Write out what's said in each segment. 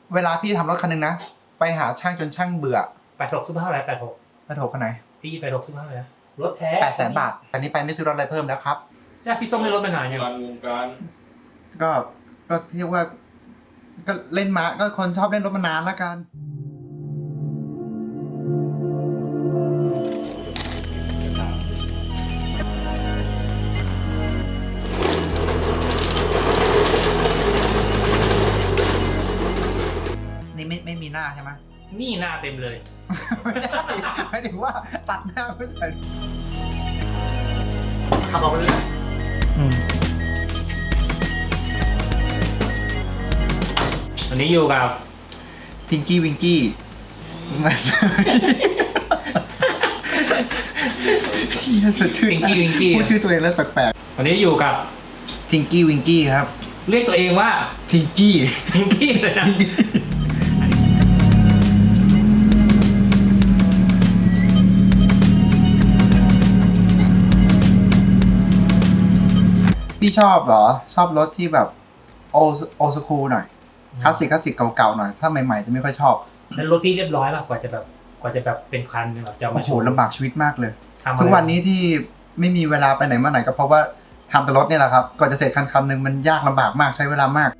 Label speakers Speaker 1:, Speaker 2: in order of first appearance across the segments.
Speaker 1: เวลาพี่ทำรถคันนึงนะไปหาช่างจนช่างเบื่อ
Speaker 2: 86ซื้อมาเท่าไหร่
Speaker 1: 86คันไหน
Speaker 2: พี่86ซื้อมาเท่าไหร่รถแท้
Speaker 1: 800,000 บาทอันนี้ไปไม่ซื้อรถอะไรเพิ่มแล้วครับ
Speaker 2: ใช่พี่ส้มได้รถมานานยัง
Speaker 3: วงการ
Speaker 1: ก็เรียกว่าก็เล่นมาก็คนชอบเล่นรถมานานแล้วกันนี่ไม่มีหน้าใช่ไหม
Speaker 2: นี่หน้าเต็มเลย
Speaker 1: ไม่ถึงว่าตัดหน้าไม่ใส่ขับออกไปเลย
Speaker 2: วันนี้อยู่กับ
Speaker 1: ทิงกี้วิงกี้ชื่อ
Speaker 2: ทิงกี้วิงกี้
Speaker 1: พูดชื่อตัวเองแล้วแปลก
Speaker 2: วันนี้อยู่กับ
Speaker 1: ทิงกี้วิงกี้ครับ
Speaker 2: เรียกตัวเองว่า
Speaker 1: ทิงกี้
Speaker 2: เลยนะ
Speaker 1: พี่ชอบเหรอชอบรถที่แบบโอสคูลหน่อยคลาสสิกเก่าๆหน่อยถ้าใหม่ๆจะไม่ค่อยชอบ
Speaker 2: แล้วรถพี่เรียบร้อยป่ะกว่าจะแบบเป็นคันแบบจะมาโชว์
Speaker 1: ลำบากชีวิตมากเลยทุกวันนี้ที่ไม่มีเวลาไปไหนมาไหนก็เพราะว่าทำแต่รถเนี่ยแหละครับก่อนจะเสร็จคันหนึ่งมันยากลำบากมากใช้เวลามาก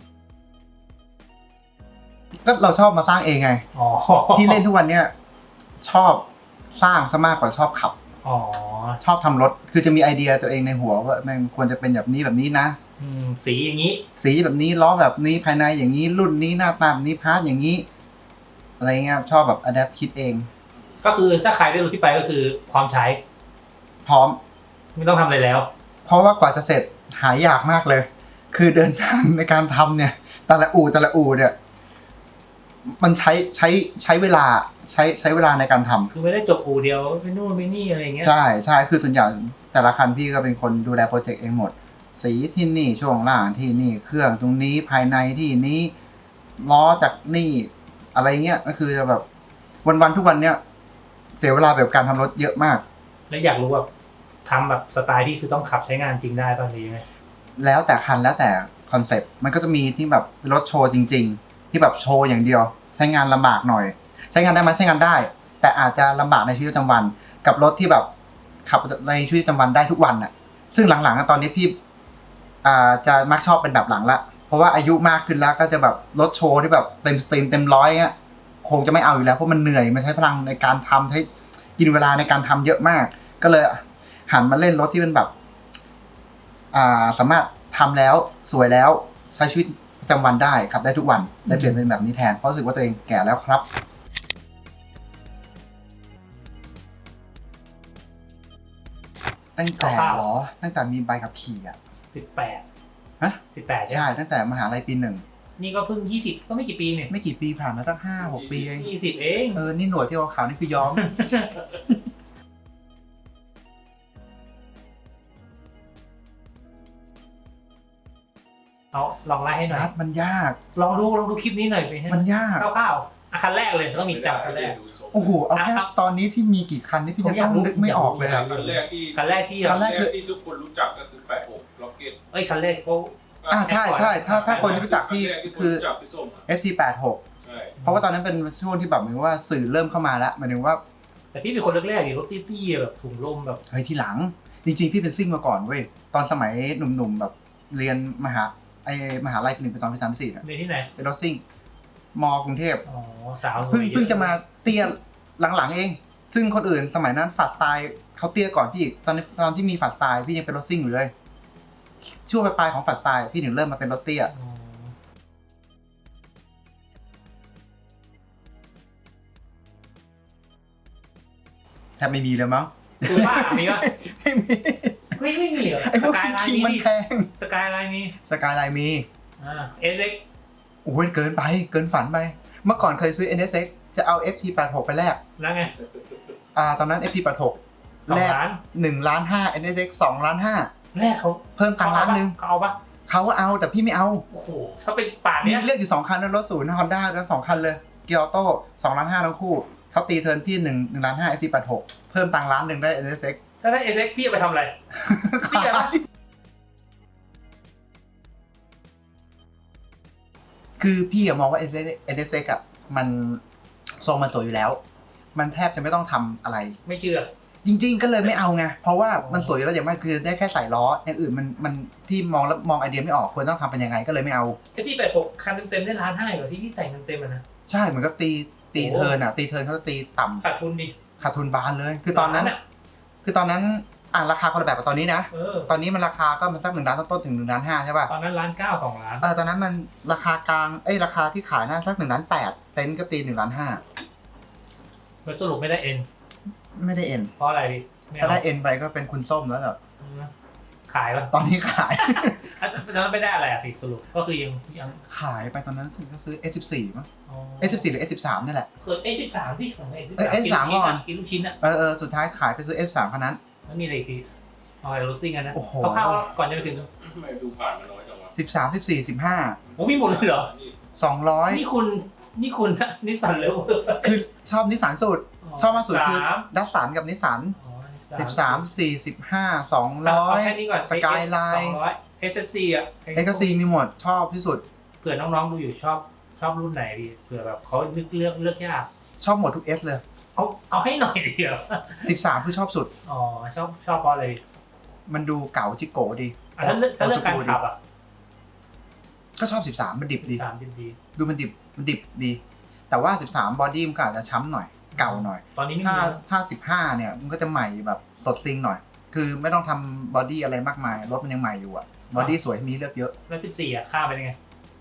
Speaker 1: ก็เราชอบมาสร้างเองไงที่เล่นทุกวันเนี่ยชอบสร้างซะมากกว่าชอบขับชอบทำรถคือจะมีไอเดียตัวเองในหัวว่ามันควรจะเป็นแบบนี้นะ
Speaker 2: สีอย่างนี้
Speaker 1: สีแบบนี้ล้อแบบนี้ภายในอย่างนี้รุ่นนี้หน้าตาแบบนี้พาร์ทอย่างนี้อะไรเงี้ยชอบแบบอะแดปคิดเอง
Speaker 2: ก็คือถ้าใครได้รู้ที่ไปก็คือพร้อมใช้
Speaker 1: พร้อม
Speaker 2: ไม่ต้องทำอะไรแล้ว
Speaker 1: เพราะว่ากว่าจะเสร็จหายากมากเลยคือเดินทางในการทำเนี่ยแต่ละอู่เนี่ยมันใช้เวลาใช้เวลาในการทำ
Speaker 2: คือไม่ได้จบอู่เดียวไปนู่นไปนี่อะไรอย่างเงี้ย
Speaker 1: ใช่คือส่วนใหญ่แต่ละคันพี่ก็เป็นคนดูแลโปรเจกต์เองหมดสีที่นี่ช่วงล่างที่นี่เครื่องตรงนี้ภายในที่นี้ล้อจากนี่อะไรเงี้ยก็คือจะแบบวันทุกวันเนี้ยเสียเวลาแบบการทำรถเยอะมาก
Speaker 2: แล้วอยากรู้แบบทำแบบสไตล์ที่คือต้องขับใช้งานจริงได้ป่ะหรือยังไง
Speaker 1: แล้วแต่คันแล้วแต่คอนเซ็ปต์มันก็จะมีที่แบบรถโชว์จริงๆที่แบบโชว์อย่างเดียวใช้งานลำบากหน่อยใช้งานได้ไหมใช้งานได้แต่อาจจะลำบากในชีวิตประจำวันกับรถที่แบบขับในชีวิตประจำวันได้ทุกวันน่ะซึ่งหลังๆตอนนี้พี่จะมักชอบเป็นแบบหลังละเพราะว่าอายุมากขึ้นแล้วก็จะแบบรถโชว์ที่แบบเต็มสตรีมเต็มร้อยเงี้ยคงจะไม่เอาอยู่แล้วเพราะมันเหนื่อยมันใช้พลังในการทำใช้กินเวลาในการทำเยอะมากก็เลยหันมาเล่นรถที่เป็นแบบสามารถทำแล้วสวยแล้วใช้ชีวิตประจำวันได้ขับได้ทุกวันได้เปลี่ยนเป็นแบบนี้แทนเพราะรู้สึกว่าตัวเองแก่แล้วครับตั้งแต่มีใบขับขี่
Speaker 2: 18
Speaker 1: ฮะ18ใช่ตั้งแต่มหาลัยปี 1
Speaker 2: นี่ก็เพิ่ง20ก็ไม่กี่ปีเนี่ย
Speaker 1: ไม่กี่ปีผ่านมาสัก 5-6 ปีเอง
Speaker 2: 20เอง
Speaker 1: นี่หนวดที่ขาวนี่คือย้อม
Speaker 2: เอาลองไล่ให้หน่อย
Speaker 1: มันยาก
Speaker 2: ลองดูคลิปนี้หน่อย
Speaker 1: มันยาก
Speaker 2: คร่าวๆคันแรกเลยต้องมีจับคันแรก
Speaker 1: โอ้โหเอาแค่ตอนนี้ที่มีกี่คันนี่พี่จะต้องนึกไม่ออกเลย
Speaker 3: คันแรกที่ทุกคนรู้จักก็คือ86 Rocket
Speaker 2: คันแรกเขา
Speaker 1: ใช่ถ้าคนที่รู้จักพี่คือ FC86 เพราะว่าตอนนั้นเป็นช่วงที่แบบเหมือนว่าสื่อเริ่มเข้ามาแล้วหมายถึงว่า
Speaker 2: แต่พี่เป็นคนแรกๆดิรถตี้ๆแบบถุงลมแบบ
Speaker 1: เฮ้ยทีหลังจริงๆพี่เป็นซิ่งมาก่อนเว้ยตอนสมัยหนุ่มๆแบบเรียนมหาลัยปี 1 ปี 2 ปี 3 ปี 4
Speaker 2: ในที่ไหน
Speaker 1: เป็นรถซิ่งมกรุงเทพ
Speaker 2: สาว
Speaker 1: เพิ่งจะมาเตี้ยหลังๆเองซึ่งคนอื่นสมัยนั้นฝัดสไตล์เขาเตี้ยก่อนพี่ตอนที่มีฝัดสไตล์พี่ยังเป็นรถซิ่งอยู่เลยช่วงปลายของฝัดสไตล์พี่ถึงเริ่มมาเป็นรถเตี้ยแทบไม่มีเลยมั้ง
Speaker 2: คือบ้ามีวะไม่มีเหรอ
Speaker 1: ไอ้พวกคิงมันแพง
Speaker 2: สกายไลน์
Speaker 1: มี
Speaker 2: SX
Speaker 1: โอ้ยเกินฝันไปเมื่อก่อนเคยซื้อ NSX จะเอา FT86 ไปแลก
Speaker 2: แล้วไง
Speaker 1: ตอนนั้น FT86 แลก1.5 ล้าน NSX 2.5 ล้าน
Speaker 2: แลกเขา
Speaker 1: เพิ่มตังค์1 ล้าน
Speaker 2: เขาเอาปะ
Speaker 1: เขาก็เอาแต่พี่ไม่เอา
Speaker 2: โอ้โหถ้าเป็นป่านนี้
Speaker 1: มีเลือกอยู่2คันนะรถศูนย์ Honda ทั้ง2คันเลยเกียร์ออโต้2.5 ล้านทั้งคู่เขาตีเทิร์นพี่1.5 ล้าน FT86 เพิ่มตังค์1 ล้านได้ NSX
Speaker 2: ถ้าได้ SX พี่ไปทำอะไรพี่จะ
Speaker 1: คือพี่อะมองว่า NSX อะมันทรงมันสวยอยู่แล้ว มันแทบจะไม่ต้องทำอะไร
Speaker 2: ไม่เชื่อ
Speaker 1: จริงๆก็เลยไม่เอาไงเพราะว่ามันสวยอยู่แล้วอย่างมากคือได้แค่ใส่ล้ออย่างอื่นมันพี่มองแล้วมองไอเดียไม่ออกควรต้องทำเป็นยังไงก็เลยไม่เอา
Speaker 2: ไอ้ที่86คันเต็มๆได้ล้านห้าเหรอที่พี่แต่งเต็มๆอ่ะนะ
Speaker 1: ใช่เหมือนกับตีเทิร์นอะตีเทิร์นเขาจะตีต่ำ
Speaker 2: ขาดทุนดิ
Speaker 1: ขาดทุนบานเลย คือตอนนั้น
Speaker 2: ล้าะ
Speaker 1: ราคาคนละแบบกับตอนนี้นะ ตอนนี้มันราคาก็มันสัก1 ล้านต้นๆถึง1 ล้าน 5ใช่ป่ะ
Speaker 2: ตอนนั้น1.9 ล้าน2 ล้าน
Speaker 1: ตอนนั้นมันราคากลางราคาที่ขายน่าสัก1 ล้าน 8เต็นท์ก็ตี1 ล้าน
Speaker 2: แล้วสรุปไม่ได้เอ็น
Speaker 1: 5ไม่ได้เอ็น
Speaker 2: เพราะอะไรดิม่
Speaker 1: ถ้า
Speaker 2: เอา
Speaker 1: ได้เอ็นไปก็เป็นคุณส้มแล้วเหรอ
Speaker 2: ขายป่ะ
Speaker 1: ตอนนี้ขาย
Speaker 2: ตอนนั้นไม่ได้อะไรอ่ะสิสรุปก็คือยัง
Speaker 1: ขายไปตอนนั้นก็ซื้อ S14 มั้ง
Speaker 2: อ๋อ
Speaker 1: S14 หรือ S13 นี่แหละ
Speaker 2: ส่วน A13 ที่ของ
Speaker 1: A13 ก่อน
Speaker 2: กินลูกชิ้นอ่ะ
Speaker 1: สุดท้ายขายไปซื้อ F3 คันนั้น
Speaker 2: แล้วมีอะไรอีกทีเอาอะไรโรซิ่งกันนะ
Speaker 1: โอ้โห
Speaker 2: คร่าวๆก่อนจะไปถึง
Speaker 3: ทำไมดูผ่านมาน้อยจังวะ
Speaker 1: 13 14 15
Speaker 2: โอ้มีหมดเลยเหรอ
Speaker 1: 200
Speaker 2: นี่คุณนิสสันเลเวอร์
Speaker 1: คือชอบนิสสันสุด ชอบมากสุดคือดัสสันกับนิสสัน 13 14 15
Speaker 2: เอาแค่นี้ก่อน
Speaker 1: 200 สกายไลน์
Speaker 2: 200 SSC อ่ะ
Speaker 1: XC มีหมดชอบที่สุด
Speaker 2: เผื่อน้องๆดูอยู่ชอบรุ่นไหนดีเผื่อแบบเขานึกเลือกยาก
Speaker 1: ชอบหมดทุก S เลย
Speaker 2: เอาให้หน่อยเดียว
Speaker 1: 13คือชอบสุด
Speaker 2: อ๋อชอบเพราะอะไร
Speaker 1: มันดูเก๋าจิโกดี
Speaker 2: อ่ะถ้าเลือกการขับอ่ะ
Speaker 1: ก็ชอบ 13 มันดิบดี
Speaker 2: 13ดี
Speaker 1: ดูมันดิบดี แต่ว่า 13 บอดี้มันก็อาจจะช้ำหน่อย เก่าหน่อย
Speaker 2: ตอนนี้ไม่
Speaker 1: ถ้า
Speaker 2: มี
Speaker 1: 15 เนี่ยมันก็จะใหม่แบบสดซิงหน่อย คือไม่ต้องทำบอดี้อะไรมากมาย รถมันยังใหม่อยู่อะบอดี้สวยมีเลือกเยอะ
Speaker 2: แล้ว14อ่ะค่าเป็นยังไง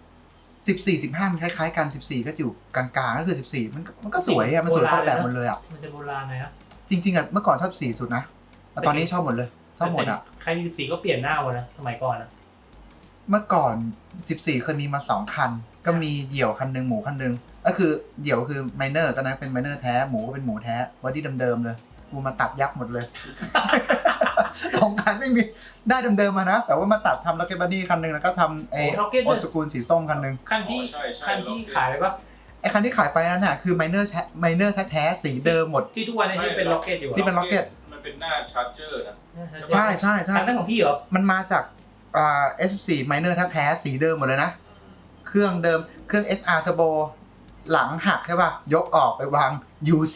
Speaker 1: 14 15 มันคล้ายๆกัน 14 ก็อยู่กลางๆ ก็คือ 14 มันก็สวยอะมันสวยคนละแบบหมดเลยอะ
Speaker 2: มันจะโบราณหน่อยนะ
Speaker 1: จริงๆอะเมื่อก่อนชอบ14สุดนะ แต่ตอนนี้ชอบหมดเลย ชอบหมดอะ
Speaker 2: ใครมี14ก็เปลี่ยนหน้าหมดนะสมัยก่อนนะ
Speaker 1: เมื่อก่อน 14 เคยมีมา 2 คัน ก็มีเหยี่ยวคันหนึ่งหมูคันหนึ่งก็คือเหยี่ยวคือไมเนอร์ตอนนั้นเป็นไมเนอร์แท้ หมูก็เป็นหมูแท้บอดี้เดิมๆเลย กูมาตัดยับหมดเลย สองคันไม่มีได้เดิมๆมานะ แต่ว่ามาตัดทำล็อกเก็ตบอดี้คันหนึ่งแล้วก็ทำโอสกูลสีส้มคันหนึ่ง
Speaker 2: คันที่ขายไปปะ
Speaker 1: ไอ้คันที่ขายไปนั่นน่ะคือไมเนอร์แท้ๆสีเดิมหมด
Speaker 2: ที่ทุกวันนี้ที่เป็นล็อกเก็ตอยู่
Speaker 1: ที่เป็น Rocket
Speaker 3: มันเป็นหน้าชาร์จเจอร์นะ
Speaker 1: ใช่ใช่ใช่
Speaker 2: คันนั้นของพี่เหรอ
Speaker 1: มันมาจากS14 ไมเนอร์แท้ๆสีเดิมหมดเลยนะ เครื่องเดิมเครื่อง SR Turbo หลังหักใช่ป่ะ ยกออกไปวาง UZ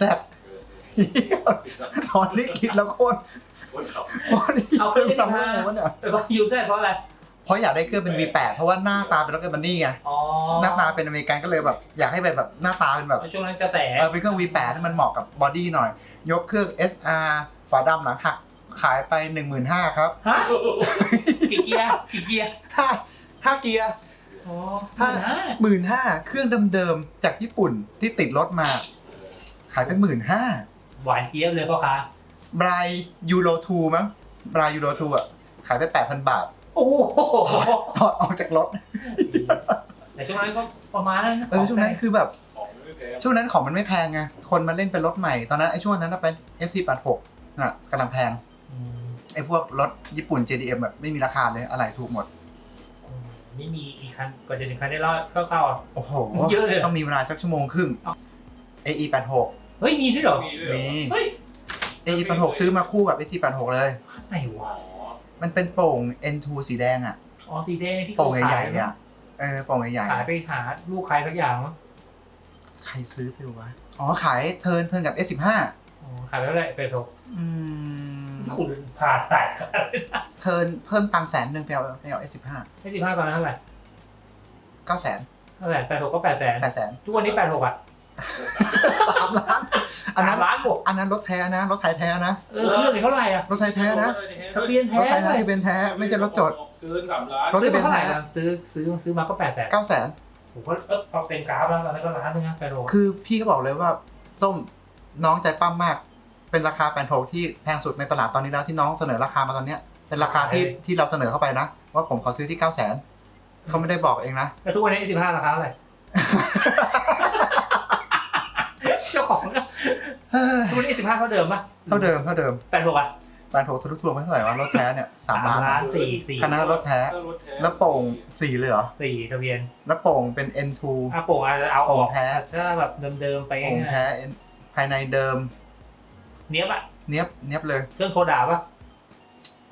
Speaker 1: ตอนนี้คิดแล้วโคตร
Speaker 3: คนขับ
Speaker 2: เอาเครื่อง
Speaker 1: ทำให้ผมเนี่ย
Speaker 2: แต่ว่ายูเซเพราะอะไร
Speaker 1: เพราะอยากได้เครื่องเป็น V8 เพราะว่าหน้าตาเป็นล็อกเก็ตบันนี่ไง
Speaker 2: อ๋อ
Speaker 1: หน้าตาเป็นอเมริกันก็เลยแบบอยากให้เป็นแบบหน้าตาเป็นแบบ
Speaker 2: ช่วงนั้นกระแส
Speaker 1: เป็นเครื่อง V8 ที่มันเหมาะกับบอดี้หน่อย ยกเครื่อง SR ฝาดำหลังหักขายไป 15,000 ครับ
Speaker 2: ฮะกี่เกียร์
Speaker 1: 5 เกียร์
Speaker 2: อ๋อ
Speaker 1: 15,000 เครื่องเดิมๆจากญี่ปุ่นที่ติดรถมา ขายไป 15,000
Speaker 2: หวานเกียร์เลยพ่อค้า
Speaker 1: บรายยูโร2มั้งบรายยูโร2อ่ะขายไป 8,000 บาท
Speaker 2: โอ้โห
Speaker 1: ถอดออกจากรถ
Speaker 2: แต่ช่วงนั้นก็ประมาณนั้น
Speaker 1: ช่วงนั้นคือแบบ
Speaker 3: ของไม่แพง
Speaker 1: ช่วงนั้นของมันไม่แพงไงคนมาเล่นเป็นรถใหม่ตอนนั้นไอ้ช่วงนั้นเป็น FC86 น่ะกำลังแพงไอ้พวกรถญี่ปุ่น JDM แบบไม่มีราคาเลยอะไรถูกหมด
Speaker 2: นี่มีอีกคันก่อนจะถึงคันได้รอดเข้าๆอ่ะ
Speaker 1: โอ้โห
Speaker 2: เยอะเลย
Speaker 1: ต้องมีเวลาสักชั่วโมงครึ่ง AE86
Speaker 2: เฮ้ยมีด้วยเหรอ
Speaker 3: มีด้วยเหรอ
Speaker 1: มี
Speaker 2: เฮ้ย
Speaker 1: AE86 ซื้อมาคู่กับ AT86 เลย
Speaker 2: ไหนวะ
Speaker 3: อ๋อ
Speaker 1: มันเป็นโป่ง N2 สีแดงอ่ะ
Speaker 2: อ๋อสีแดงที่
Speaker 1: โป่งใหญ่ๆอ่ะโป่งใหญ่
Speaker 2: ขายไปหาลูกใครสักอย่างมั้ง
Speaker 1: ๆใครซื้อไปวะอ๋อขายเทิร์นกับ S15
Speaker 2: อ๋อขายไปเท่าไหร่เป็ดโถ คุณผ่าแตก
Speaker 1: เทิร์นเพิ่มตังค์100,000ไปเอา S15
Speaker 2: ให้15ตอนนั้นเท่าไหร่
Speaker 1: 900,000
Speaker 2: เท่าไหร่86ก็800,000
Speaker 1: 800,000
Speaker 2: ทุกวันนี้86อ่ะ
Speaker 1: 3 ล้านอันนั้น
Speaker 2: 3 ล้านบวก
Speaker 1: อันนั้นรถแท้นะรถไทยแท้นะ
Speaker 2: เครื่องนี่เท่าไหร่อ่ะ
Speaker 1: รถไทยแท้นะ
Speaker 2: ทะเบียน
Speaker 1: ร
Speaker 2: แท้
Speaker 1: ถไทยแท้
Speaker 2: เลย
Speaker 1: ที่เป็นแท้ไม่ใช่รถจด
Speaker 3: เกิน3 ล้าน
Speaker 1: รถ
Speaker 2: ซื้อมาเท่าไหร่อะซื้อมาก็800,000
Speaker 1: 900,000
Speaker 2: ผมก็เอาเต็มกราฟแล้วตอนนั้นก็ล้านนึงนะ86
Speaker 1: คือพี่ก็บอกเลยว่าส้มน้องใจปั้มมาก เป็นราคา86ที่แพงสุดในตลาดตอนนี้แล้วที่น้องเสนอราคามาตอนเนี้ยเป็นราคาที่เราเสนอเข้าไปนะ ว่าผมขอซื้อที่ 900,000เขาไม่ได้บอกเองนะ
Speaker 2: แล้วทุกวันนี้15ราคาเท่าไหร่ เจ้าของนะทุกวันนี้15เท่าเดิมป่ะ
Speaker 1: เท่าเดิม
Speaker 2: 86อ่ะ
Speaker 1: 86ทะลุทวงไม่เท่าไหร่วะรถแท้เนี่ย3 ล้าน
Speaker 2: 3 ล้าน4
Speaker 1: คณะรถแท้ แล้วโป่ง4เลยเหรอ
Speaker 2: 4ทะเบียน
Speaker 1: แล้วโป่งเป็น N2
Speaker 2: โป่งอาจจะเอาอ
Speaker 1: โป่
Speaker 2: อง ก
Speaker 1: แท้
Speaker 2: ถ้าแบบเดิมๆไป
Speaker 1: โป่งแท้ภายในเดิม
Speaker 2: เนี้ยบอ่ะ
Speaker 1: เนียบเลย
Speaker 2: เครื่องโคดาป่ะ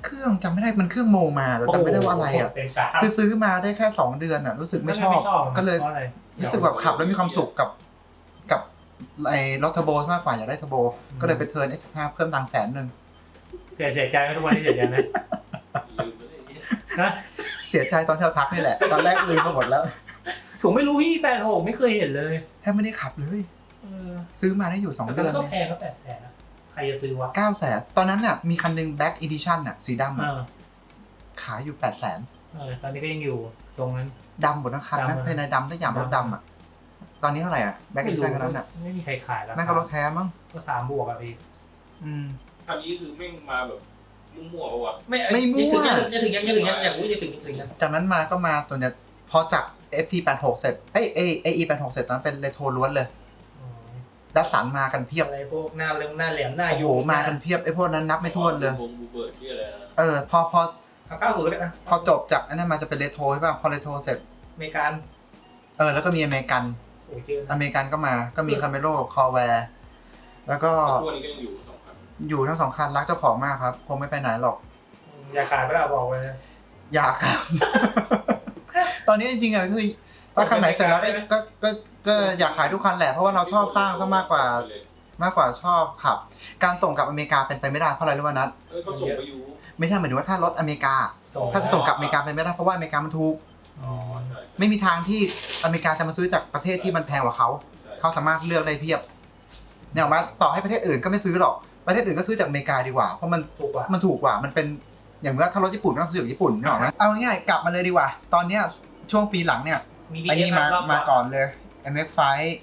Speaker 1: เครื่องจำไม่ได้มันเครื่องโมมาแต่จำไม่ได้ว่าอะไรอ่ะ
Speaker 2: เป็นกา
Speaker 1: คือซื้อมาได้แค่2 เดือนอ่ะรู้สึกไม่ชอบก็เลยรู้สึกแบบขับแล้วมีความสุขกับไอ้รถเทอร์โบมากกว่าอยากได้เทอร์โบก็เลยไปเทิร์น S15 เพิ่มตังค์100,000
Speaker 2: เสียใจไหมทุกวันนี้เสียใจไหม
Speaker 3: ลืมไปเลยเนี่ย
Speaker 2: นะ
Speaker 1: เสียใจตอนที่เราทักนี่แหละตอนแรกลืมไปหมดแล้ว
Speaker 2: ผมไม่รู้พี่86ไม่เคยเห็นเลย
Speaker 1: แทบไม่ได้ขับเลยซื้อมาได้อยู่2 เดือน
Speaker 2: ก็แพงก็800,000นะใครจะซื้อวะ
Speaker 1: 900,000ตอนนั้นน่ะมีคันหนึง Black Edition น่ะสีดำ
Speaker 2: เอ
Speaker 1: อะ
Speaker 2: อ
Speaker 1: ขายอยู่ 800,000
Speaker 2: ตอนนี้ก็ยังอยู่ตรงนั้น
Speaker 1: ดำหมดทั้งคันนะ
Speaker 2: ดำ
Speaker 1: ภายในดำทุกอย่างรถดำอ่ะตอนนี้เท่าไหร่อ่ะ Black Edition คันนั้นอ่ะ
Speaker 2: ไม่มีใครขายแล้ว
Speaker 1: นั่นก็รถแท้มั้ง
Speaker 2: ก็3 บวกอะพี่
Speaker 3: อันนี้คือแม่งมาแบบมั่วๆปะวะ
Speaker 1: ไม่มั่ว
Speaker 2: จะถึงยังอยากรู้จะถึงยัง
Speaker 1: จากนั้นมาก็มาตัวเนี้ยพอจาก FT86 เสร็จAE86 เสร็จตอนนั้นเป็นเรโทรล้วนเลยดัสสันมากันเพียบ
Speaker 2: อะไรพวกหน้าแหลมหน้า
Speaker 1: โอ้โหมากันเพียบไอ้พวกนั้นนับไม่ถ้วนเลย
Speaker 3: วงบูเบิร์ดที่อะไรนะ
Speaker 1: พอ
Speaker 2: 90แล้วกันนะ
Speaker 1: พอจบจากอันนั้นมาจะเป็นเรโทรใช่ป่ะพอเรโทรเสร็จ
Speaker 2: อเมริกัน
Speaker 1: แล้วก็มีอเมริกัน
Speaker 2: โอ้ยเจอ
Speaker 1: อเมริกันก็มาก็มีคาเมโร่คอแวร์แล้วก็
Speaker 3: พวกนี้ก็ยังอยู่2 คัน
Speaker 1: อยู่ทั้ง2 คันรักเจ้าของมากครับคงไม่ไปไหนหรอก
Speaker 2: อย่าขายไปแล้วบอกเลย
Speaker 1: อยากครับ ตอนนี้จริงๆอ่ะคือถ้าคันไหนเสร็จแล้วก็อยากขายทุกคันแหละเพราะว่าเราชอบสร้างซะมากกว่าชอบขับ การส่งกลับอเมริกาเป็นไปไม่ได้เพราะอะไรรู้ป่ะนัท
Speaker 3: เขาส่งไปอยู่
Speaker 1: ไม่ใช่หมายถึงว่าถ้ารถอเมริกา ถ้าจะส่งกลับอเมริกาเป็นไม่ได้เพราะว่าอเมริกามันถูก
Speaker 3: อ๋อใช่
Speaker 1: ไม่มีทางที่อเมริกาจะมาซื้อจากประเทศที่มันแพงกว่าเขาเขาสามารถเลือกได้เพียบเนี่ยออกมาต่อให้ประเทศอื่นก็ไม่ซื้อหรอกประเทศอื่นก็ซื้อจากอเมริกาดีกว่าเพราะมัน
Speaker 2: ถูกกว่า
Speaker 1: มันถูกกว่ามันเป็นอย่างว่าถ้ารถญี่ปุ่นก็ต้องซื้อจากญี่ปุ่นนึกออกไหมเอาง่ายๆกลับมาเลยดีกว่า ตอนเนี้ยช่วงปีหลังเนี่ย
Speaker 2: มี
Speaker 1: อันนี้มาก่อนเลย MX5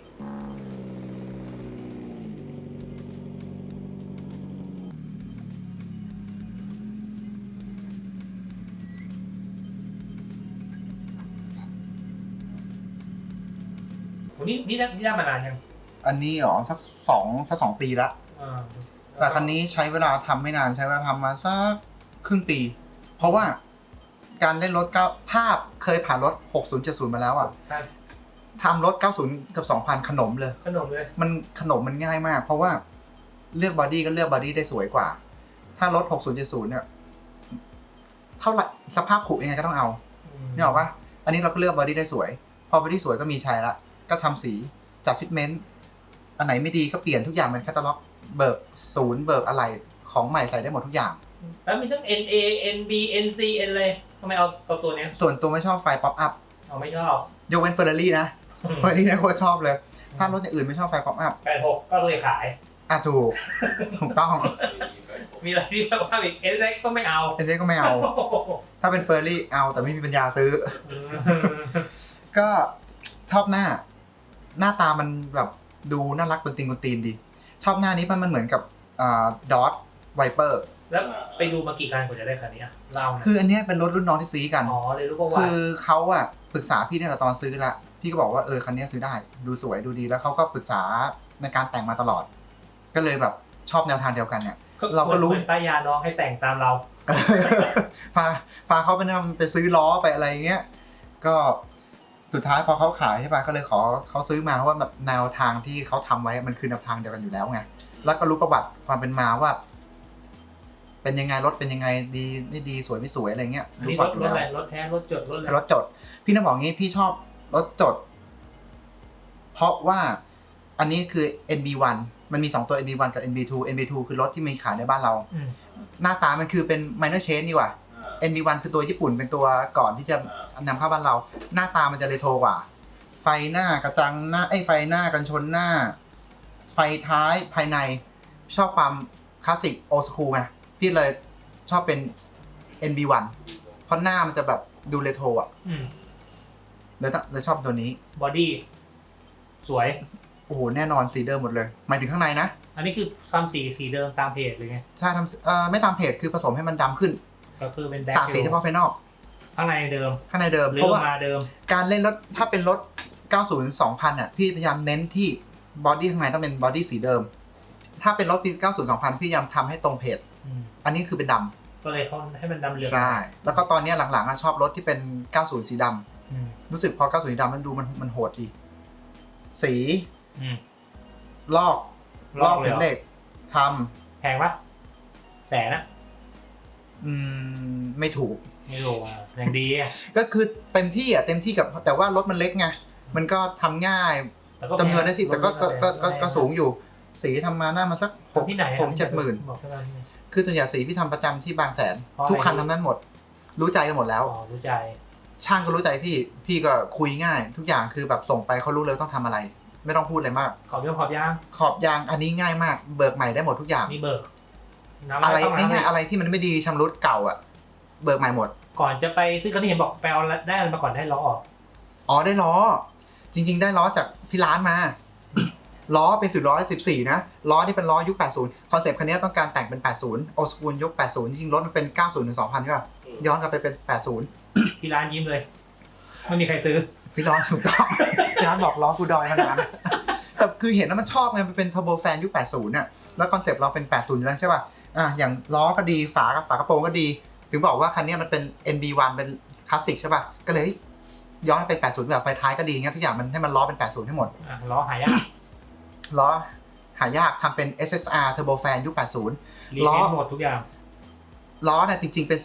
Speaker 2: นี่ได้มานานยัง
Speaker 1: อันนี้หรอสัก2 ปีละแต่คันนี้ใช้เวลาทำไม่นานใช้เวลาทำมาสักครึ่งปี เพราะว่าการเล่นรถถ้าเคยผ่านรถ6070มาแล้วอ่ะทำรถ90กับ2000ขนมเลย มันขนมมันง่ายมาก เพราะว่าเลือกบอดี้ก็เลือกบอดี้ได้สวยกว่า ถ้ารถ6070เนี่ยเท่าไหร่สภาพผุยังไงก็ต้องเอานี่บอกว่าอันนี้เราก็เลือกบอดี้ได้สวยพอบอดี้สวยก็มีใช้ละก็ทำสีจัดฟิตเมนต์อันไหนไม่ดีก็เปลี่ยนทุกอย่างเป็นแคตตาล็อกเบิกศูนย์เบิกอะไรของใหม่ใส่ได้หมดทุกอย่าง
Speaker 2: แล้วมีทั้ง NA NB NC N เลยทำไมเอาตัวเนี้ย
Speaker 1: ส่วนตัวไม่ชอบไฟป๊อปอัพ
Speaker 2: เอาไม่ชอบ
Speaker 1: ยกเว้นเฟอร์รารี่นะเฟอร์รารี่นะโคตรชอบเลยถ้ารถอย่างอื่นไม่ชอบไฟป๊อปอัพ
Speaker 2: 86ก็เลยขาย
Speaker 1: ถูกต้อง
Speaker 2: มีอะไรที่แบบว่าอีก SX ก็ไม่เอา
Speaker 1: เอเจก็ไม่เอา ถ้าเป็นเฟอร์รารี่เอาแต่ไม่มีปัญญาซื้อ ก็ชอบหน้าตามันแบบดูน่ารักตีนดีชอบหน้านี้มันเหมือนกับดอทไวเปอร์
Speaker 2: แล้วไปดูมากี่คันกว่าจะได้คันนี้อ่ะเล่า
Speaker 1: คืออันเนี้ยเป็นรถรุ่นน้องที่ซื้อกัน
Speaker 2: เลยรู้ว่า
Speaker 1: คือเขาอะปรึกษาพี่เนี่ยตอนซื้อละพี่ก็บอกว่าคันนี้ซื้อได้ดูสวยดูดีแล้วเขาก็ปรึกษาในการแต่งมาตลอด ก็เลยแบบชอบแนวทางเดียวกันเนี่ย เราก็รู้
Speaker 2: ป้ายาน้องให้แต่งตามเรา
Speaker 1: พาเขาไปซื้อล้อไปอะไรเงี้ยก็สุดท้ายพอเขาขายใช่ป่ะก็เลยขอเขาซื้อมาเพราะว่าแบบแนวทางที่เขาทำไว้มันคือแนวทางเดียวกันอยู่แล้วไงแล้วก็รู้ประวัติความเป็นมาว่า เป็นยังไงรถเป็นยังไงดีไม่ดีสวยไม่สวยอะไรเงี้ย
Speaker 2: นี่รถอะไรรถแท้รถจดรถอะไร
Speaker 1: รถจดพี่น่าบอกงี้พี่ชอบรถจดเพราะว่าอันนี้คือ NB1 มันมี2ตัว NB1 กับ NB2 คือรถที่มีขายในบ้านเราหน้าตามันคือเป็น minor change นี่ว่ะ NB1 คือตัวญี่ปุ่นเป็นตัวก่อนที่จะนำเข้าบ้านเราหน้าตามันจะเรโทรกว่าไฟหน้ากระจังหน้าไฟหน้ากันชนหน้าไฟท้ายภายในชอบความคลาสสิกโอ school ไงพี่เลยชอบเป็น NB1 เพราะหน้ามันจะแบบดูเรโทรอ่ะเลยชอบตัวนี้
Speaker 2: บอดี้สวย
Speaker 1: โอ้โหแน่นอนสีเดิมหมดเลยหมายถึงข้างในนะ
Speaker 2: อันนี้คือทำสีเดิมตามเพจเลยไง
Speaker 1: ใช่ทำไม่ตามเพจคือผสมให้มันดำขึ้น
Speaker 2: ก็คือเป็นแบ็ค
Speaker 1: สาสีเฉพาะภายนอก
Speaker 2: ข้างในเดิม
Speaker 1: เพราะว่าการเล่นรถถ้าเป็นรถ90 2000อ่ะพี่พยายามเน้นที่บอดี้ข้างในต้องเป็นบอดี้สีเดิมถ้าเป็นรถปี90 2000พี่พยายามทำให้ตรงเพจอันนี้คือเป็นดำ
Speaker 2: ก็เลยเขาให้มันดำเหลือง
Speaker 1: ใช่แล้วก็ตอนนี้หลังๆชอบรถที่เป็น90สีดำรู้สึกพอ90สีดำมันดูมันโหดดีสีลอกเป็นเหล็กทำ
Speaker 2: แพงปะแสนนะ
Speaker 1: ไม่ถูก
Speaker 2: ไม่รู้อ่ะอย่างดีอ่ะ
Speaker 1: ก็คือเต็มที่กับแต่ว่ารถมันเล็กไงมันก็ทำง่ายจำนวนได้สิแต่ก็สูงอยู่สีทำมาหน้ามันสัก6-7 หมื่นคือตัวอย่างสีพี่ทำประจำที่บางแสนทุกคันทำนั้นหมดรู้ใจกันหมดแล้ว
Speaker 2: รู้ใจ
Speaker 1: ช่างก็รู้ใจพี่ก็คุยง่ายทุกอย่างคือแบบส่งไปเขารู้เลยต้องทำอะไรไม่ต้องพูดอะไรมาก
Speaker 2: ขอบยาง
Speaker 1: อันนี้ง่ายมากเบิกใหม่ได้หมดทุกอย่าง
Speaker 2: นี่เบิก
Speaker 1: อะไรง่ายๆอะไรที่มันไม่ดีชำรุดเก่าอ่ะเบิกใหม่หมด
Speaker 2: ก่อนจะไปซื้อคันนี้เห็นบอกไปเอาได้อะไรมาก่อนได้ล้อออก
Speaker 1: อ๋อได้ล้อจริงๆได้ล้อจากพี่ร้านมา ล้อเป็น414นะล้อนี่เป็นล้อยุค80คอนเซปต์คันนี้ต้องการแต่งเป็น80โอสกูลยุค80จริงๆรถมันเป็น90ถึง2000ใช่ป่ะย้อนกลับไปเป็น80
Speaker 2: พี่ร้านยิ้มเลยไม่มีใครซื้อ
Speaker 1: พี่ร้านถูกต้องพี่ร้านบอกล้อกูดอยขนาดนั้นแต่คือเห็นแล้วมันชอบไงมันเป็นเทอร์โบแฟนยุค80น่ะแล้วคอนเซปต์เราเป็น80อยู่แล้วใช่ป่ะอย่างล้อก็ดีฝากระโปรงก็ดีถึงบอกว่าคันนี้มันเป็น NB1 เป็นคลาสสิกใช่ป่ะก็เลยย้อนเป็น80แบบไฟท้ายก็ดีงั้นทุกอย่างมันให้มันล้อเป็น80ให้หมด
Speaker 2: ล้อหายาก
Speaker 1: ล้อหายากทำเป็น SSR Turbo Fan ยุค80
Speaker 2: ล้อหมดทุกอย่าง
Speaker 1: ล้อเนี่ยจริงๆเป็น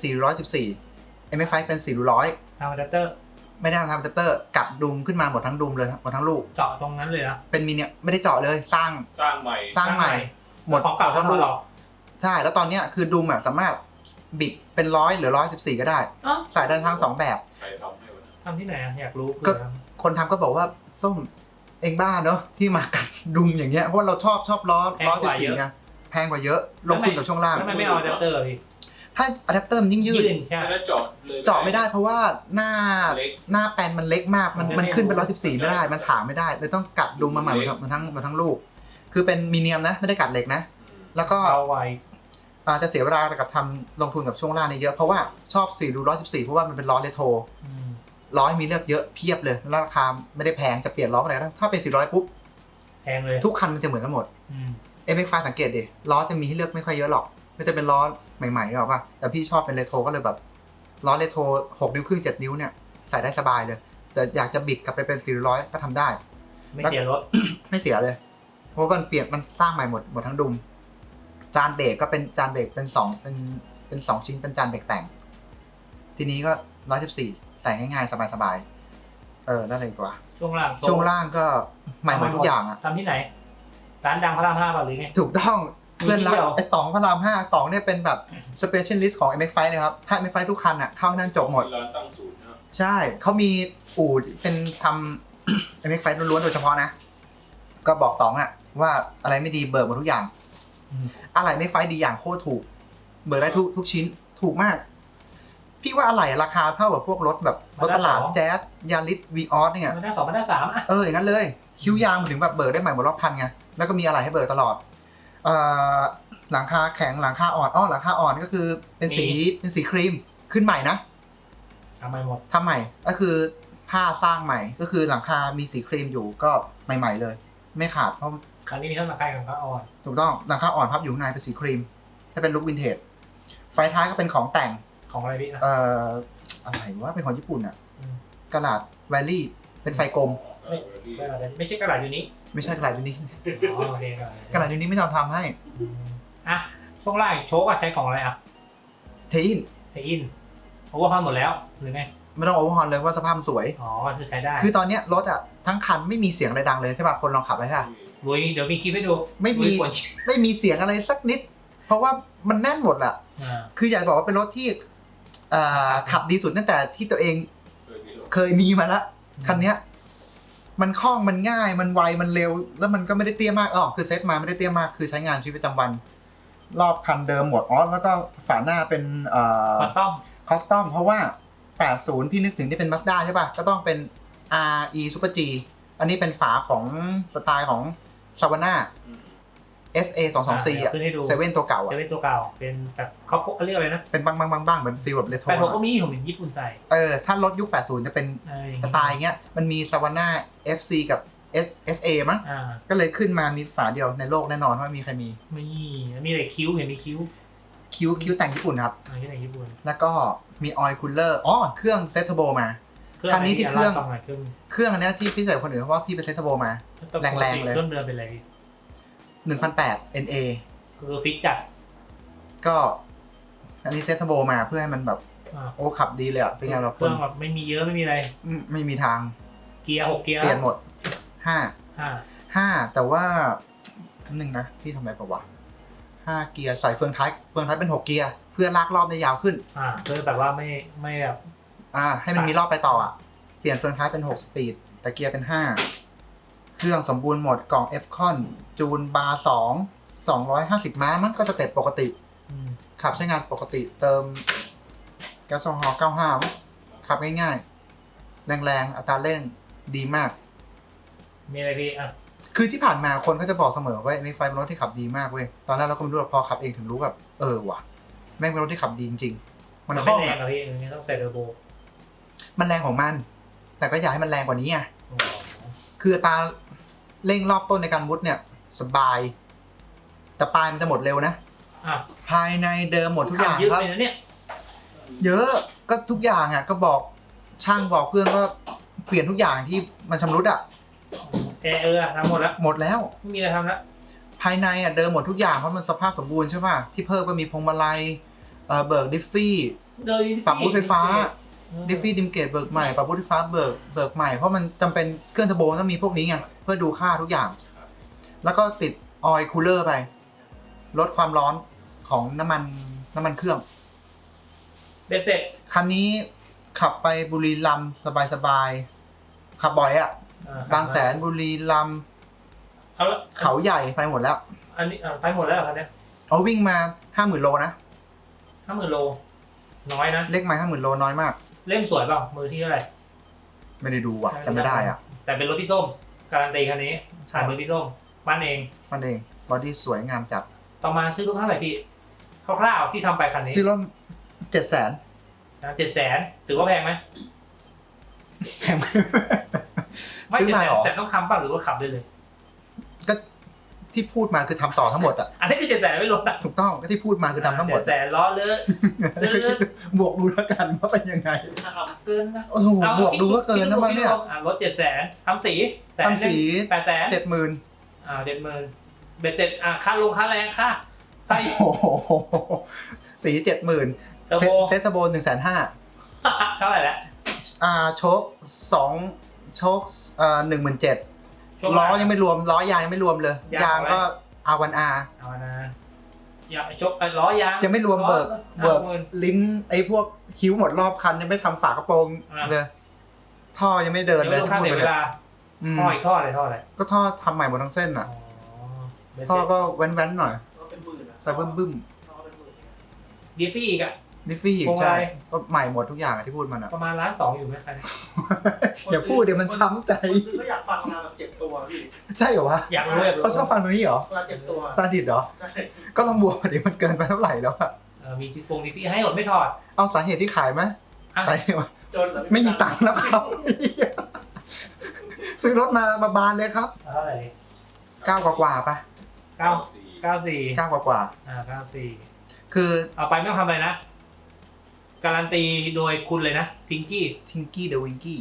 Speaker 1: 414 MF5 เป็น400
Speaker 2: ทำอะแดปเตอร์
Speaker 1: ไม่ได้ทำอะแดปเตอร์กัดดุมขึ้นมาหมดทั้งดุมเลยหมดทั้งลูก
Speaker 2: เจาะตรงนั้นเลยนะ
Speaker 1: เป็นมิเนี่ยไม่ได้เจาะเลยสร้าง
Speaker 3: ให
Speaker 1: ม่หมด
Speaker 2: ของเก่าทั้งลูก
Speaker 1: ใช่แล้วตอนนี้คือดุมอ่ะสามารถบิดเป็น100หรือ114ก็ได้ใส่ได้ทั้ง2แบบ
Speaker 2: ทำที่ไหนอยากรู้
Speaker 1: ก็คนทำก็บอกว่าส้มเองบ้าเนอะที่มากัดดุมอย่างเงี้ยเพราะเราชอบล้อ14ไงแพงกว่าเยอะลงทุนกับช่วงล่าง
Speaker 2: แล้วไม่เอาอะแดปเตอร์พี่
Speaker 1: ถ้าอะแดปเตอร์มันยิ่งยืด
Speaker 3: ไม่เ
Speaker 1: จาะไม่ได้เพราะว่าหน้าแปนมันเล็กมากมันขึ้นเป็น114ไม่ได้มันถางไม่ได้เลยต้องกัดดุมมาใหม่มาทั้งลูกคือเป็นมีเนียมนะไม่ได้กัดเหล็กนะแล้วก็
Speaker 2: เอาไว้
Speaker 1: จะเสียเวลากับทำลงทุนกับช่วงล่างนี่เยอะเพราะว่าชอบ114เพราะว่ามันเป็นล้อเรโทรล้อมีเลือกเยอะเพียบเลยแล้วราคาไม่ได้แพงจะเปลี่ยนล้ออะไรถ้าเป็น400ปุ๊บ
Speaker 2: แพงเลย
Speaker 1: ทุกคันมันจะเหมือนกันหมดMX5 สังเกตดิล้อจะมีให้เลือกไม่ค่อยเยอะหรอกไม่จะเป็นล้อใหม่ๆหรอกป่ะแต่พี่ชอบเป็นเรโทรก็เลยแบบล้อเรโทร6 นิ้วครึ่ง7 นิ้วเนี่ยใส่ได้สบายเลยแต่อยากจะบิดกลับไปเป็น400ก็ทำได้
Speaker 2: ไม่เสียรถ
Speaker 1: ไม่เสียเลยเพราะมันเปลี่ยนมันสร้างใหม่หมดทั้งดุมจานเบรกก็เป็นจานเบรกเป็น2ชิ้นเป็นจานเบรกแต่งทีนี้ก็114ใส่ง่ายๆสบายๆได้เลยกว่า
Speaker 2: ช่วงล่าง
Speaker 1: ก็ใหม่หมดทุกอย่างอะ
Speaker 2: ทำที่ไหนร้านดังพระราม5ป่ะหรือไง
Speaker 1: ถูกต้องเพื่อนรักไอ้ต๋องพระราม5ต๋องเนี่ยเป็นแบบ specialist ของ MX5 เลยครับถ้า MX5 ทุกคันอะเข้านั่นจบหมด
Speaker 3: ร้านตั้งศูนย์นะ
Speaker 1: ใช่เขามีอู่เป็นทำ MX5 ล้วนๆโดยเฉพาะนะก็บอกต๋องอะว่าอะไรไม่ดีเบิกหมดทุกอย่างอะไรไม่ไฟดีอย่างโคตรถูกเบิกได้ทุกชิ้นถูกมากพี่ว่าอะไรราคาเท่ากับพวกรถแบบรถตลาดแจ๊สยาริสวีออสเนี่ย
Speaker 2: มันได้2มันได้3อ่ะ
Speaker 1: อย่างนั้นเลยคิ้วยางถึงแบบเบิกได้ใหม่หมดรอบคันไงแล้วก็มีอะไรให้เบิกตลอดหลังคาแข็งหลังคาอ่อนหลังคาอ่อนก็คือเป็นสีครีมขึ้นใหม่นะ
Speaker 2: ทำใหม่หมด
Speaker 1: ทำใหม่ก็คือผ้าสร้างใหม่ก็คือหลังคามีสีครีมอยู่ก็ใหม่ๆเลยไม่ขาดเพราะ
Speaker 2: คันนี้มีทั้งหลังคาหลังคาอ่อน
Speaker 1: ถูกต้องหลังคาอ่อนพับอยู่ข้างในเป็นสีครีมถ้าเป็นลุควินเทจไฟท้ายก็เป็นของแต่ง
Speaker 2: ของอะไรพี่
Speaker 1: อะไรวะเป็นของญี่ปุ่นอ่ะกระดาษแวลลี่เป็นไฟกลม
Speaker 2: ไม่ใช่กระดาษยูนิ
Speaker 1: ไม่ใช่กระดาษยูนิ
Speaker 2: โอเค
Speaker 1: กระดาษยูนิไม่ยอมทำให้
Speaker 2: ช่วงล่างโชคใช้ของอะไร
Speaker 1: เทอิน
Speaker 2: โอเวอร์ฮอลหมดแล้วหรือไง
Speaker 1: ไม่ต้องโอเวอร์ฮอลเลยว่าสภาพสวย
Speaker 2: คือใช้ได้
Speaker 1: คือตอนนี้รถทั้งคันไม่มีเสียงอะไรดังเลยใช่ป่ะคนลองขับไปค่ะ
Speaker 2: เดี๋ยวมีคลิปให้ดู
Speaker 1: ไม่มีเสียงอะไรสักนิดเพราะว่ามันแน่นหมดแหละคืออยากบอกว่าเป็นรถที่ขับดีสุดตั้งแต่ที่ตัวเองเคยมีมาแล้วคันนี้มันคล่องมันง่ายมันไวมันเร็วแล้วมันก็ไม่ได้เตี้ยมากคือเซ็ตมาไม่ได้เตี้ยมากคือใช้งานชีวิตประจำวันรอบคันเดิมหมดแล้วก็ฝาหน้าเป็นคอสตอมเพราะว่า80พี่นึกถึงที่เป็น Mazda ใช่ป่ะก็ต้องเป็น RE Super G อันนี้เป็นฝาของสไตล์ของ Savannah SA 224เซเว่นตัวเก่า
Speaker 2: เซเว่นตัวเก่าเป็นแบบเขาเรียกอะไรนะ
Speaker 1: เป็นบ้างเหมือนฟีลแบบเรโทร
Speaker 2: แต่ผมก็มีผมเห็นญี่ปุ่นใส่
Speaker 1: ถ้ารถยุค80จะเป็นสไตล์เงี้ยมันมี Savannah FC กับ SA มั้งก็เลยขึ้นมามีฝาเดียวในโลกแน่นอนว่ามีใครมี
Speaker 2: อะไรคิ้วเห็นมีคิ้
Speaker 1: วแต่งญี่ปุ่นครับ
Speaker 2: แต่งญี่ปุ่น
Speaker 1: แล้วก็มีออยล์คูลเลอร์เครื่องเซตเทอร์โบมาคันนี้ที่เครื่องอันนี้ที่พี่ใส่คนอื่นเพราะว่าพี่เป็นเซตเทอร์โบมาแรงๆเลย
Speaker 2: เครื่องเดิมเป็นอะไร
Speaker 1: 1,800 NA
Speaker 2: คือฟิกจัด
Speaker 1: ก็อันนี้เซตเทอร์โบมาเพื่อให้มันแบบ โอ้ขับดีเลยอ่ะเป็นไงเรา
Speaker 2: เครื่องแบบไม่มีเยอะไม่มีอะไร
Speaker 1: ไม่มีทาง
Speaker 2: เกียร์6เกียร์
Speaker 1: เปลี่ยนหมดห้า
Speaker 2: ห้า
Speaker 1: แต่ว่าหนึ่งนะพี่ทำอะไรปะวะ5 เกียร์ใส่เฟืองท้ายเป็น6 เกียร์เพื่อลากรอบได้ยาวขึ้น
Speaker 2: เพื่อแบบว่าไม่แบบ
Speaker 1: ให้มันมีรอบไปต่ออ่ะเปลี่ยนเฟืองท้ายเป็น6 สปีดแต่เกียร์เป็น5เครื่องสมบูรณ์หมดกล่อง F คอนจูนบาร์250 ม้ามันก็สเต็ปปกติขับใช้งานปกติเติมแก๊สโซฮอล์95ขับง่ายๆแรงๆอัตราเร่งดีมาก
Speaker 2: มีอะไรพี่
Speaker 1: คือที่ผ่านมาคนก็จะบอกเสมอว่ามีไฟเป็นรถที่ขับดีมากเว้ยตอนแรกเราก็ไม่รู้หรอกพอขับเองถึงรู้แบบว่ะแม่งเป็นรถที่ขับดีจริงๆมัน
Speaker 2: ไม่
Speaker 1: คล่อง
Speaker 2: แรงหรอพี่อย่างนี้ต้องใส่เทอร์โบ
Speaker 1: มันแรงของมัน แต่ก็อยากให้มันแรงกว่านี้ไงคืออัตราเร่งรอบต้นในการมุดเนี่ยสบาย แต่ปลายมันจะหมดเร็วนะภายในเดิมหมดทุกอย่างครับเยอะก็ทุกอย่างอ่ะก็บอกช่างบอกเพื่อนก็เปลี่ยนทุกอย่างที่มันชำรุดอ่ะ
Speaker 2: ทำหมดแล้วไม่มีอะไรทำแล้ว
Speaker 1: ภายในอ่ะเดิมหมดทุกอย่างเพราะมันสภาพสมบูรณ์ใช่ป่ะที่เพิ่มก็มีพวงมาลัยเบิกดิฟฟี่ปรับบูทไฟฟ้าดิฟฟี่ดิมเกตเบิกใหม่ปรับบูทไฟฟ้าเบิกใหม่เพราะมันจำเป็นเครื่องเทอร์โบต้องมีพวกนี้ไงเพื่อดูค่าทุกอย่างแล้วก็ติดออยล์คูลเลอร์ไปลดความร้อนของน้ำมันเครื่อง
Speaker 2: เบ็ดเสร็จ
Speaker 1: คันนี้ขับไปบุรีรัมย์สบายๆขับบ่อยอ่ะบางแสนบุรีรัมย์เขาใหญ่ไปหมดแล้ว
Speaker 2: อันนี้ไปหมดแล้วครับเนี่ย
Speaker 1: เอาวิ่งมา 50,000 โลนะ
Speaker 2: 50,000 โลน้อยนะ
Speaker 1: เลขไม้ 50,000 โลน้อยมาก
Speaker 2: เล่มสวยเปล่ามือที่เท่าไหร่
Speaker 1: ไม่ได้ดูว่ะจำไม่ได้อ่ะ
Speaker 2: แต่เป็นรถพี่ส้มการันตีคันนี้ขายมือพี่ส้มปั้นเอง
Speaker 1: บอดี้สวยงามจัด
Speaker 2: ต่อมาซื้อรถเท่าไหร่พี่คร่าวๆที่ทำไปคันนี้
Speaker 1: ซื้อรถ
Speaker 2: 700,000ถือว่าแพงไหม
Speaker 1: แพง
Speaker 2: ไม่700,000แต่ต้องทำป่ะหรือว่าขับได้เลย
Speaker 1: ก็ที่พูดมาคือทำต่อทั้งหมดอ่ะ
Speaker 2: อันนี้คือ700,000ไม่ลดอ่ะ
Speaker 1: ถูกต้องก็ที่พูดมาคือทำทั้งหมด
Speaker 2: 700,000ล้อเลอะ
Speaker 1: บวกดูแล้วกันว่าเป็นยังไง
Speaker 2: เกินนะ
Speaker 1: โอ้โหบวกดูก็เกินแล้วมั้งเนี่ย
Speaker 2: รถ700,000ทำสี800,000
Speaker 1: 70,000
Speaker 2: เบ็ดเสร็จค่าลงค่าแรงค่า
Speaker 1: โอ้โหสี 70,000เซตเทอร์โบ 150,000
Speaker 2: เท่าไหร่แล้ว
Speaker 1: โชค2โชค17,000ล้อยังไม่รวมล้อยางยังไม่รวมเลยยางก็ R1R
Speaker 2: อย่าชกล้อยาง
Speaker 1: ยังไม่รวมเบิกลิ้นไอ้พวกคิ้วหมดรอบคันยังไม่ทำฝากระโปรงเลยท่อยังไม่เดินเลย
Speaker 2: ท่อเวลาท่ออีกท่ออะไร
Speaker 1: ก็ท่อทำใหม่หมดทั้งเส้นอ่ะท่อก็แว้นๆหน่อยใส่บึ้ม
Speaker 2: ดิฟฟี่อีกอ่ะ
Speaker 1: ดิฟฟี่อีกใช่ก็ใหม่หมดทุกอย่างที่พูดมันอ่ะ
Speaker 2: ประมาณ1,200,000อยู่ไหมครับ
Speaker 1: อย่าพูดเดี๋ยวมันช้ำใจ
Speaker 4: ก็อยากฟังมาแบบเจ็บตัวพี่
Speaker 1: ใช่เหรอวะ
Speaker 2: อยากรู้
Speaker 1: เขาชอบฟังตรงนี้เหรอ
Speaker 4: เวลาเจ็บตัว
Speaker 1: ซาดิสเหรอใช่ก็ลองบวกดิมันเกินไปเท่าไหร่แล้วอะ
Speaker 2: มีดิฟฟี่ให้หมดไม่ถอด
Speaker 1: เอาสาเหตุที่ขายไหมขายไหม
Speaker 4: จน
Speaker 1: ไม่มีตังค์แล้วครับซื้อรถมาบานเลยครับ
Speaker 2: เท่าไหร่
Speaker 1: 9 กว่าป่ะ
Speaker 2: 94
Speaker 1: 9 กว่า
Speaker 2: 94
Speaker 1: คือ
Speaker 2: เอาไปไม่ต้องทำอะไรนะการันตีโดยคุณเลยนะทิงกี้
Speaker 1: เดอะวิงกี้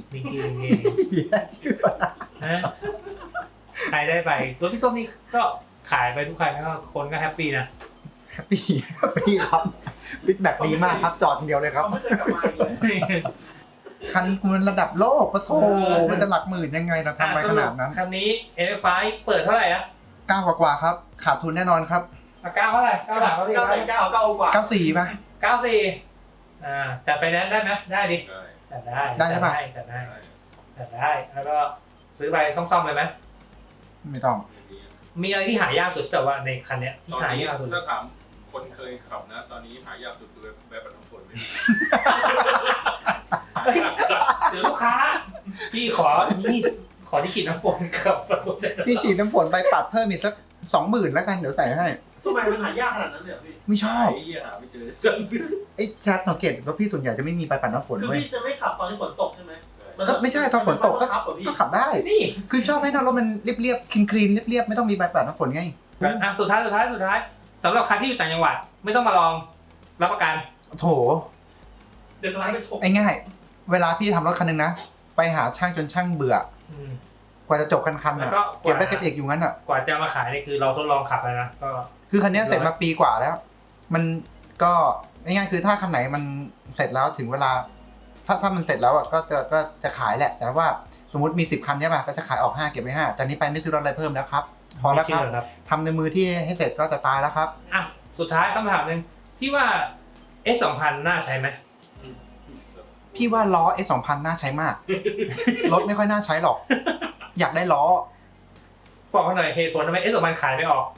Speaker 2: ใครได้ไปรถพี่ส้มนี่ก็ขายไปทุกคันแล้วคนก็แฮปปี้นะ
Speaker 1: แฮปปี้ครับฟีดแบ็กดีมากครับจอดเดียวเลยครับ
Speaker 4: ไม่เคยกลับมาเลย
Speaker 1: คันคุณระดับโลกปะโถมันจะหลักหมื่นยังไงเราทำไปขนาดนั้น
Speaker 2: คันนี้ NF5 เปิดเท่าไหร่อะ
Speaker 1: 9 กว่าครับขาดทุนแน่นอนครับ
Speaker 2: 9เท่าไหร่9 บาท
Speaker 4: 9 กว่า
Speaker 1: 94ป่ะ
Speaker 2: 94แต่ไฟแนนซ์ได้ไหมได้ดิได้
Speaker 1: ใช่ป่ะ
Speaker 2: จัดได้แล้วก็ซื้อไปต้องซ่อมเลยไหม
Speaker 1: ไม่ต้อง
Speaker 2: มีอะไรที่หายากสุดแต่ว่าในคันเนี้ยที่หายากสุด
Speaker 3: ถ้าถามคนเคยขับนะตอนนี้หายากสุดคือแบบปัดน้ำฝนไม่มี
Speaker 2: เดี๋ยวลูกค้าพี่ขอที่ฉีดน้ำฝนกับ
Speaker 1: ที่ฉีดน้ำฝนไปปัดเพิ่มอีกสัก 20,000แล้วกันเดี๋ยวใส่ให้
Speaker 4: ทำไมมันหายากขนาดนั้นเลยพี่
Speaker 1: ไม่ชอบ
Speaker 3: หาไม่เจอ
Speaker 1: ไอ้แชทสังเกตรถพี่ส่วนใหญ่จะไม่มีไปปัดน้ำฝน
Speaker 4: คือพี่จะไม่ขับตอนที่ฝนตกใช่ไหม
Speaker 1: ก็ไม่ใช่ตอนฝนตกก็ขับได้
Speaker 2: นี่
Speaker 1: คือชอบให้รถมันเรียบๆคลีนเรียบๆไม่ต้องมีใบปัดน้ำฝนไง
Speaker 2: สุดท้ายสำหรับใครที่อยู่ต่างจังหวัดไม่ต้องมาลองรับประกัน
Speaker 1: โถ
Speaker 4: เดี๋ยว
Speaker 1: ไอ้ง่ายเวลาพี่ทำรถคันนึงนะไปหาช่างจนช่างเบื่อกว่าจะจบคันอ่ะเก็บได้เก็บเอกอยู่งั้นอ่ะ
Speaker 2: กว่าจะมาขายนี่คือเราทดลองขับแล้วนะก็
Speaker 1: คือคันนี้เสร็จมาปีกว่าแล้วมันก็ง่ายๆคือถ้าคันไหนมันเสร็จแล้วถึงเวลา ถ้ามันเสร็จแล้วอ่ะก็จะขายแหละ แต่ว่าสมมติมี10 คันใช่ป่ะก็จะขายออก5เก็บไว้5จากนี้ไปไม่ซื้อรถอะไรเพิ่มแล้วครับพอแล้วครับ
Speaker 2: ไม่เชื่อครับ
Speaker 1: ทำในมือที่ให้เสร็จก็จะตายแล้วครับ
Speaker 2: อ่ะสุดท้ายคำถามหนึ่งพี่ว่า S2000 น่าใช้ไหม
Speaker 1: พี่ว่าล้อ S2000 น่าใช้มาก รถไม่ค่อยน่าใช้หรอก อยากได้ล้อ
Speaker 2: บอกมาหน่อยเหตุผลทำไม S2000 ขายไม่ออก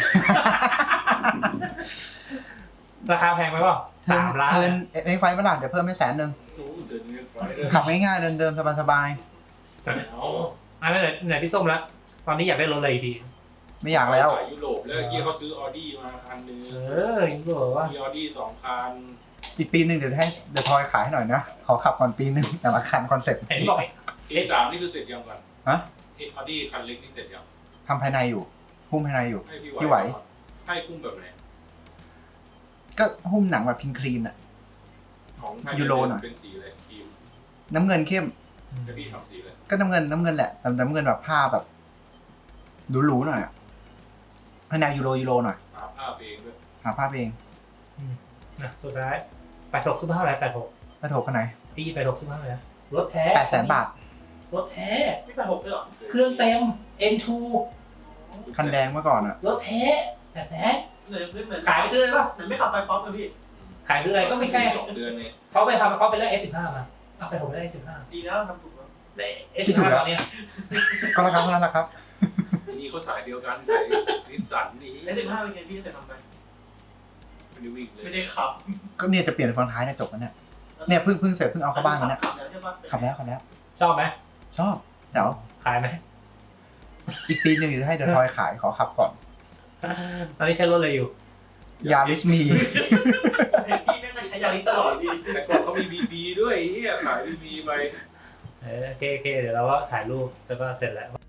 Speaker 2: ราคาแพงไหมเปล่า3 ล้าน
Speaker 1: เทิร์นเอ็กไฟเมื่อไหร่เดี๋ยวเพิ่มให้100,000 ขับง่ายๆเดิมๆสบาย
Speaker 2: อันนั้นไหนพี่ส้มแล้วตอนนี้อยากได้รถอะไรดี
Speaker 1: ๆไม่อยากแล้ว
Speaker 3: สายยุโรปแล้วที่เขาซื้อออดี้มาคันนึง
Speaker 2: ยังบอกว่า
Speaker 3: มีออดี้2 คัน
Speaker 1: อีกปีหนึ่งเดี๋ยวให้เดี๋ยวทอยขายให้หน่อยนะ ขอขับก่อนปีหนึ่งแต่ละคันคอนเซ็ปต์
Speaker 2: เห็นบอก
Speaker 3: A3 นี่คือเสร็จยังก่อน
Speaker 1: ฮะ
Speaker 3: ออดี้คันเล็กนี่เสร็จยัง
Speaker 1: ทำภายในอยู่หุ้มภายในอยู่
Speaker 3: ให้
Speaker 1: พี่ไหว
Speaker 3: ให้คุ้มแบบไหน
Speaker 1: ก็หุ้มหนังแบบพิงคลีนอะ
Speaker 3: ของไทย
Speaker 1: ยูโรหน่อย
Speaker 3: เป็นสีอะไรทีม
Speaker 1: น้ำเงินเข้ม
Speaker 3: จะพี่ทำสีเลย
Speaker 1: ก็น้ำเงินแหละแต่น้ำเงินแบบผ้าแบบหรูๆหน่อยอะให้แนวยูโรหน่อย
Speaker 3: หาภาพเองด้วย
Speaker 1: หาภาพเอง
Speaker 2: นะสุดท้าย86ซื้อมาเท่าไหร่86
Speaker 1: ไม่โถกคันไหน
Speaker 2: พี่86ซื้อมาเท่าไหร่นะรถแท้
Speaker 1: 800,000 บาท
Speaker 2: รถแท้
Speaker 4: พี่86ด้วยเหรอ
Speaker 2: เครื่องเต็ม N2
Speaker 1: คันแดงเมื่อก่อนอะ
Speaker 2: รถแท้800,000
Speaker 4: เหมือน
Speaker 2: ขายไปซื้อเลยป่ะ
Speaker 4: เหมือนไม่ขับไปป๊อปเลยพี่
Speaker 2: ขายซื้ออะไรก็ไม่ใช่
Speaker 3: 2 เดือนเนี่ย
Speaker 2: เขาไปได้ S15 มาเอาไปผมได้ S15
Speaker 4: ดีแล้วทำถูกแล้ว
Speaker 2: ได้ S15 ตอนเนี้ย
Speaker 1: ก็ราคาเท่านั้นแหละครับ
Speaker 3: นี่เขาสายเดียวกันสายนิสสันนี่
Speaker 4: ไอ้15เป็นไงพี่แต่ทำไป
Speaker 3: ไม่ได้วิ่งเลย
Speaker 4: ไม่ได้ขับ
Speaker 1: ก็เนี่ยจะเปลี่ยนฟอนท้ายเนี่ยจบแล้วเนี่ยเนี่ยเพิ่งเสร็จเพิ่งเอาเข้าบ้านมาเนี่ย
Speaker 4: ขับแล้วใช่ปะ
Speaker 1: ขับแล้ว
Speaker 2: ชอบไหม
Speaker 1: ชอบเจ๋ว
Speaker 2: ขายไหม
Speaker 1: อีกปีหนึ่งจะให้เดอะทอยขายขอขับก่อน
Speaker 2: ตอนนี้ใช้รถอะไรอยู่
Speaker 1: ยาริสมี
Speaker 4: พี่แม่งก็ใช้ยาลิสตลอดพี่
Speaker 3: แต่ก่อนเขามีบีด้วยไอ้เหี้ยขายบีไป
Speaker 2: โอเคเดี๋ยวเราก็ถ่ายรูปแล้วก็เสร็จแล้ว